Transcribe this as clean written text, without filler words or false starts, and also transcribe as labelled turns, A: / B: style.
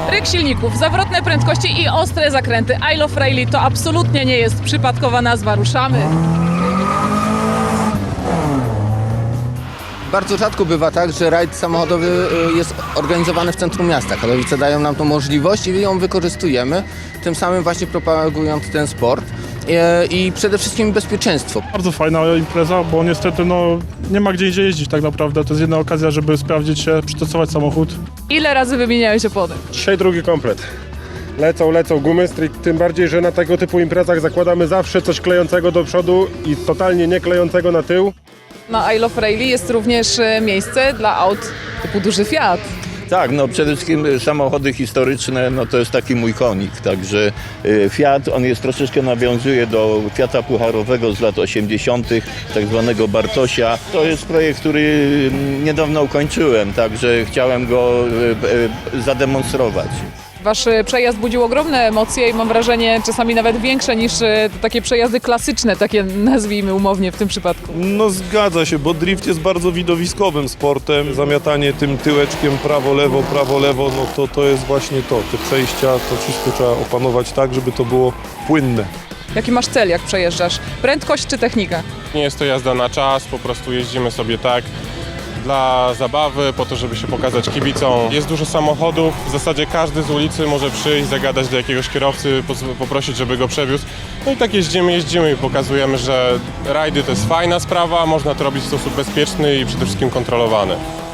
A: Ryk silników, zawrotne prędkości i ostre zakręty. I Love Rally to absolutnie nie jest przypadkowa nazwa. Ruszamy!
B: Bardzo rzadko bywa tak, że rajd samochodowy jest organizowany w centrum miasta. Katowice dają nam tą możliwość i ją wykorzystujemy, tym samym właśnie propagując ten sport i przede wszystkim bezpieczeństwo.
C: Bardzo fajna impreza, bo niestety nie ma gdzie indziej jeździć tak naprawdę. To jest jedna okazja, żeby sprawdzić się, przetestować samochód.
A: Ile razy wymieniałeś opony?
D: Dzisiaj drugi komplet. Lecą gumy, tym bardziej, że na tego typu imprezach zakładamy zawsze coś klejącego do przodu i totalnie nie klejącego na tył.
A: Na I Love Rally jest również miejsce dla aut typu duży Fiat.
E: Tak, no przede wszystkim samochody historyczne, no to jest taki mój konik, także Fiat, on jest troszeczkę nawiązuje do Fiata pucharowego z lat 80., tak zwanego Bartosia. To jest projekt, który niedawno ukończyłem, także chciałem go zademonstrować.
A: Wasz przejazd budził ogromne emocje i mam wrażenie czasami nawet większe niż takie przejazdy klasyczne, takie nazwijmy umownie w tym przypadku.
F: No zgadza się, bo drift jest bardzo widowiskowym sportem. Zamiatanie tym tyłeczkiem prawo, lewo, no to jest właśnie to. Te przejścia, to wszystko trzeba opanować tak, żeby to było płynne.
A: Jaki masz cel, jak przejeżdżasz? Prędkość czy technika?
G: Nie jest to jazda na czas, po prostu jeździmy sobie tak dla zabawy, po to, żeby się pokazać kibicom. Jest dużo samochodów, w zasadzie każdy z ulicy może przyjść, zagadać do jakiegoś kierowcy, poprosić, żeby go przewiózł. No i tak jeździmy i pokazujemy, że rajdy to jest fajna sprawa, można to robić w sposób bezpieczny i przede wszystkim kontrolowany.